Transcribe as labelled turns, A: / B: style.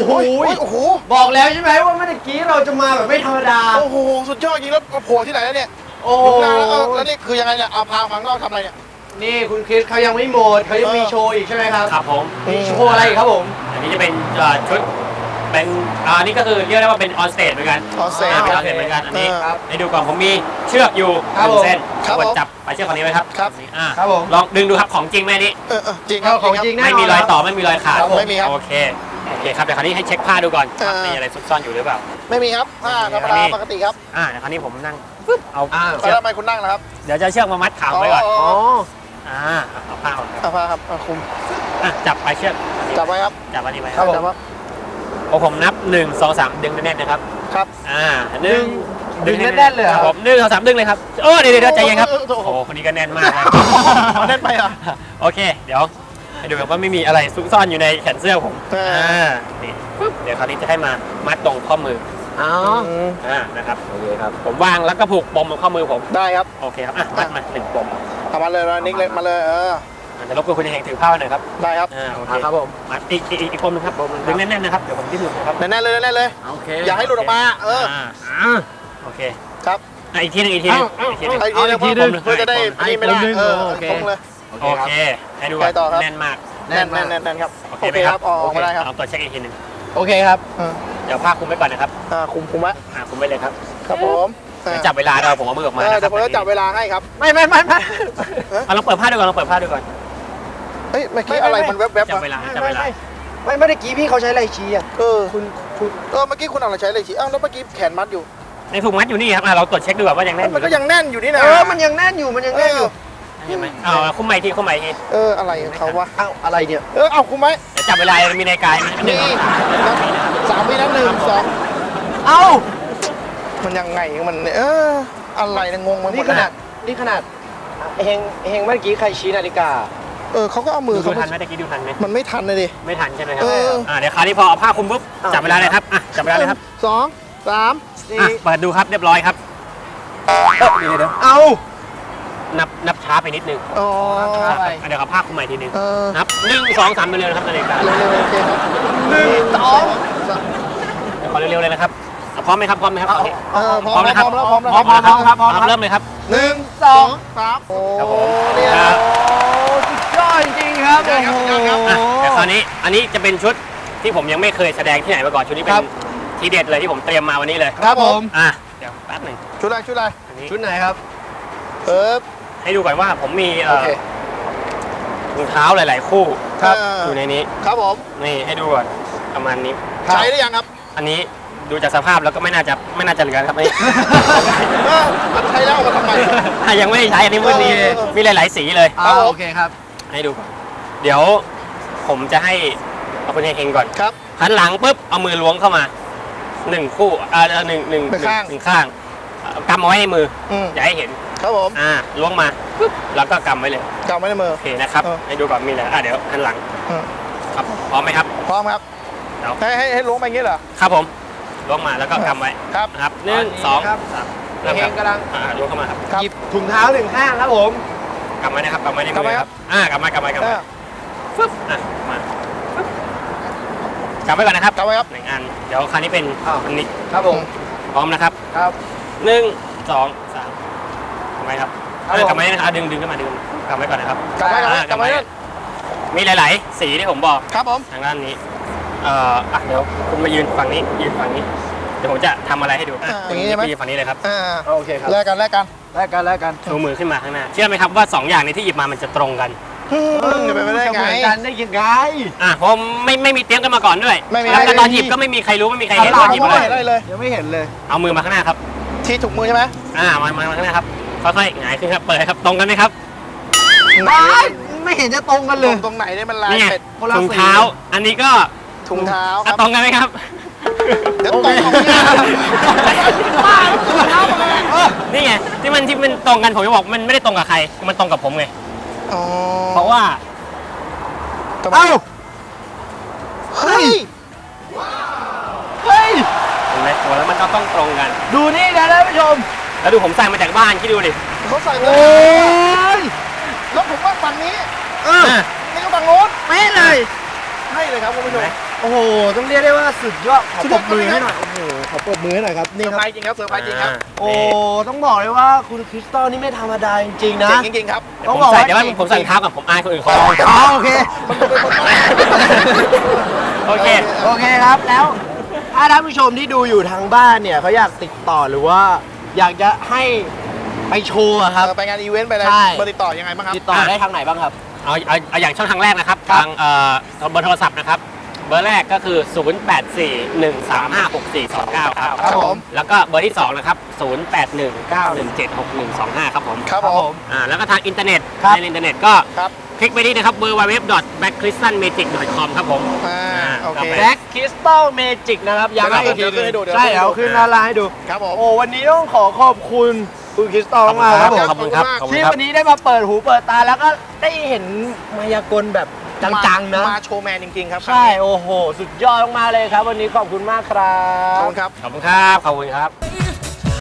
A: โอ้โหบอกแล้วใช่ไหมว่าเมื่อกี้เราจะมาแบบไม่ธรรมดาโอ้โหสุดยอดจริงแล้วโผล่ที่ไหนแล้วเนี่ยโอ้แล้วนี่คือยังไงเนี่ยเอาพาฟังนอกทำอะไรเนี่ยนี่คุณคริสเขายังไม่หมดเขายังมีโชว์อีกใช่ไหมครับ
B: ครับผม
A: มีโชว์อะไรครับผม
B: อันนี้จะเป็นชุดเป็นนี่ก็คือเรียกได้ว่าเป็นออนสเตจเหมือนกัน
A: ออนสเตจ
B: เหมือนกันอันนี้ให้ดูก่อนผมมีเชือกอยู่1 เส้นกดจับไปเชือกคนนี้ไว้ครับ
A: ครับผม
B: ลองดึงดูครับของจริงไหมนี่
A: จริงครับของจริง
B: ไม่มีรอยต่อไม่มีรอยขาด
A: ไม่มีครับ
B: โอเคครับเดี๋ยวคราวนี้ให้เช็คผ้าดูก่อนมีอะไรซุกซ่อนอยู่หรือเปล่า
A: ไม่มีครับผ้าธรรมดาปกติครับ
B: เดี๋ยวคราวนี้ผมนั่งปึ๊บเอา
A: เชือกทำไมคุณนั่งนะครับ
B: เดี๋ยวจะเชือกมามัดขาไว้ก่อนเอาผ้าก่อน
A: เอาผ้าครับคุม
B: จับไปเชือก
A: จับไว้ครับ
B: จับอันนี้ไว้
A: ครับ
B: ผมนับ1 2 3ดึงแน่นๆนะครับ
A: ครับ
B: ดึงแน่นๆเลยครับผม1 2 3ดึงเลยครับเดี๋ยวใจเย็นครับโอ้โหคนนี้ก็แน่นมากนะ
A: แน่นไปเหรอ
B: โอเคเดี๋ยวให้ดูแบบว่าไม่มีอะไรซุกซ่อนอยู่ในแขนเสื้อผมนี่ปึ๊บเดี๋ยวคราวนี้จะให้มามัดตรงข้อมือนะครับโอเคครับผมวางแล้วก็ผูกปมบนข้อมือผม
A: ได้ครับ
B: โอเคครับมัดมา1 ปม
A: เอามาเลยนิกเลยมาเลย
B: จะรบกวนคุณเองถือผ้าหน่อยครับ
A: ได้ครับ
B: โอเคครับผมมัดอีกปมนึงครับดึงแน่นๆนะครับเดี๋ยวผมที่สุดนะครับ
A: แน่นเลยโอเคอย่าให้หลุดออกมา
B: โอเค
A: ครับ
B: อีกทีนึง
A: เพื่อจะได้ไม่ได้ตรงเลย
B: โอเคให้ดูแน่นมาก
A: แน่นครับโอเคครับออกมาได้ครับ
B: ลองตรวจเช็คอีกทีนึง
A: โอเคครับ
B: เดี๋ยวผ้าคลุมไว้ก่อนนะครับ
A: คุมไว้
B: คุมไว้เลยครับ
A: ครับผม
B: จับเวลาเราผมเอามือออกมา
A: แต่ผมจะจับเวลาให้ครับไม่
B: ลองเปิดผ้าดูก่อน
A: เฮ้ยเมื่อกี้อะไรมันแวบๆ
B: จับเวลา
A: ไม่ได้กี้พี่เขาใช้อะไรชี้คุณเมื่อกี้คุณเอาอะไรใช้อะไรชี้แล้วเมื่อกี้แขนมัดอยู่
B: ในถุงมัดอยู่นี่ครับเราตรวจเช็คดูว่ายังแน่น
A: มันก็ยังแน่นอยู่นี่นะมันยังแน่นอยู่
B: ใช่ไหมคุ้มไหมที
A: อะไรเขาวะอะไรเนี่ยเอาคุ้มไหม
B: จับเวลามีในกายมัน
A: 3 วินะ1 2มันยังไงมันอะไรนะงงมันนี่ขนาดเฮงเมื่อกี้ใครชี้นาฬิกาเขาก็เอามือ
B: เขาทันไหมตะกี้ดูทันไหม
A: มันไม่ทันเลยดิ
B: ไม่ทันใช่ไหมครับเดี๋ยวคราวนี้พอเอาผ้าคลุมปุ๊บจับเวลาเลยครับจับเวลาเลยครับ
A: 2 3 4
B: เปิดดูครับเรียบร้อยครับเดี๋ยวนับช้าไปนิดนึงเดี๋ยวเอาผ้าคลุมใหม่ทีนึงนับ1 2 3เร็วๆนะครับนาฬิกา
A: เร็วๆโอเคครับ1 2
B: ขอเร็วๆเลยนะครับพร้อมไหมครับพร้อมแล้ว
A: พร้อมครับ
B: เริ่มเลยครับ
A: 1 2 3
B: ครับผม
A: สุดยอดจริงครับ
B: แต่คราวนี้อันนี้จะเป็นชุดที่ผมยังไม่เคยแสดงที่ไหนมาก่อนชุดนี้เป็นทีเด็ดเลยที่ผมเตรียมมาวันนี้เลย
A: ครับผม
B: เดี๋ยวแป๊บหนึ่ง
A: ชุดอะไรชุดไหนครับ
B: ให้ดูก่อนว่าผมมีรองเท้าหลายๆคู่อยู่ในนี้
A: ครับผม
B: นี่ให้ดูก่อนประมาณนี้
A: ใช้หรือยังครับ
B: อันนี้ดูจากสภาพแล้วก็ไม่น่าจะเหลือครับนี่
A: มันใช้แล้วมาทำไม
B: ยังไม่ได้ใช้อันนี้มีหลายๆสีเลย
A: โอเคครับ
B: ให้ดูก่อนเดี๋ยวผมจะให้เอาคุณเฮงก่อน
A: ครับ
B: หันหลังปุ๊บเอามือล้วงเข้ามา1 คู่หนึ่งข้างกำเอาไว้ในมืออย่าให้เห็น
A: ครับผม
B: ล้วงมาปุ๊บแล้วก็กำไว้เลย
A: กำไว้ในมือ
B: โอเคนะครับให้ดูก่อนมีอะไรเดี๋ยวหันหลังครับพร้อมไหมครับ
A: พร้อมครับให้ล้วงไปอย่างนี้เหรอ
B: ครับผมล้วงมาแล้วก็กำไว้
A: ครับ
B: 1 2 3
A: เฮงกำลัง
B: ล้วงเข้ามาครับ
A: หยิบถุงเท้า1 ข้างครับผม
B: กำไว้นะครับกำไว้ในมือครับกำไว้ฟึ๊บมากำไว้ก่อนนะครับ
A: กำไว้ครับ
B: 1 อันเดี๋ยวคราวนี้เป็นอันนี้
A: ครับผม
B: พร้อมนะครับ
A: ครับ
B: 1 2 3กำไว้ครับกำไว้นะครับดึงขึ้นมาดึงกำไว้ก่อนนะครับ
A: กำไว้
B: มีหลายๆสีที่ผมบอก
A: ครับผม
B: ทางด้านนี้เดี๋ยวคุณมายืนฝั่งนี้เดี๋ยวผมจะทำอะไรให้ดู
A: อย่างนี้ใช่ไหม
B: ยืนฝั่งนี้เลยครับ
A: โอเคครับแลกกัน
B: ชูมือขึ้นมาข้างหน้าเชื่อไหมครับว่า2 อย่างนี้ที่หยิบมามันจะตรงกัน
A: จะเป็นไปได้ไง
B: กันได้ยังไงผมไม่มีเตรียมกันมาก่อนด้วยแล้วตอนหยิบก็ไม่มีใครรู้ไม่มีใครเห็นตอนหยิบ
A: เลยยังไม่เห็นเลย
B: เอามือมาข้างหน้าครับ
A: ที่ถุงมือใช่ไหม
B: มาข้างหน้าครับค่อยๆหงายขึ้นครับเปิดครับตรงกันไหมครับ
A: ไม่เห็นจะตรงกันเลยตรงไหนเนี่ยมันลายเป็ด
B: ถุงเท้าอันนี้ก็
A: ถุงเท้า
B: ตรงกันไหมครับ
A: เดี๋ยวตรง
B: นี่ไงที่มันตรงกันผมจะบอกมันไม่ได้ตรงกับใครมันตรงกับผมไงเพราะว่า
A: เฮ้ย
B: เห็นไหมตัวแล้วมันก็ต้องตรงกัน
A: ดูนี่นะท่านผู้ชม
B: แล้วดูผมใส่มาจากบ้านคิดดูดิ
A: เขาใส่มาแล้วผมว่าฝั่งนี้นี่ก็ฝั่งโน้นไม่เลยให้เลยครับคุณผู้ชม
C: โอ้โหต้องเรียกได้ว่าสุดยอดขอปรบมือให้หน่อยโอ้โหขอปรบมือให้หน่อยครับ
A: เซ
C: นี่
A: อร์
C: ค
A: ไพร
C: รับ
A: ส์จริงครับเซอร์ไพรส์จริงครับ
C: โอ้ต้องบอกเลยว่าคุณคริสตัลนี่ไม่ธรรมดาจริงๆนะ
A: เจ๋งจริงๆครับ
C: ต้อง
B: ผม
C: บอก
B: ใส่
C: ว่า
B: เดี๋ยวว่าผมใส่รองเท้าก่อนผมอายคนอื่นเขา
C: อ๋อโอเค
B: โอเค
C: โอเคครับแล้วถ้าท่านผู้ชมที่ดูอยู่ทางบ้านเนี่ยเขาอยากติดต่อหรือว่าอยากจะให้ไปโชว์อะครับ
A: ไปงานอีเวนต์ไปอะไร
C: ใช่
A: เบอร์ติดต่อยังไงบ้างครับ
C: ติดต่อได้ทางไหนบ้างครับ
B: เอาอย่างช่องทางแรกนะครับ
C: ครับ
B: ทางเบอร์โทรศัพท์นะครับ เบอร์แรกก็คือ 0841356429 ครับ
A: ครับผม
B: แล้วก็เบอร์ที่ 2 นะครับ 0819176125 ครับผม
A: ครับผม
B: แล้วก็ทางอินเทอร์เน็ต
C: ครับ
B: ในอินเทอร์เน็ตก็
A: ครับ
B: คลิกไปที่นะครับ www.backcrystalmagic.com ครับผม
A: โอเค
C: แบล็กคริสตัลเมจิกนะครับย้ำให้อีกที
A: เดี๋ยวขึ้นให้ดูเดี๋ยว
C: ใช่
A: ขึ้นให้ดู
C: เดี๋ยวขึ้นหน้าร้านให้ดู
A: ครับผม
C: โอ้วันนี้ต้องขอขอบคุณคุณคริสตัลมากๆครับผม
B: ขอบคุณครับขอบคุณ
C: ที่
B: ครับ
C: วันนี้ได้มาเปิดหูเปิดตาแล้วก็ได้เห็นมายากลแบบจังๆนะ
A: มาโชว์แมนจริงๆครับ
C: ใช่ โอ้โห สุดยอดมากๆเลยครับ วันนี้ขอบคุณมากครั
A: ขอบบ คุณครับ
B: ขอบคุณครับ ขอบคุณครับ
D: Baby,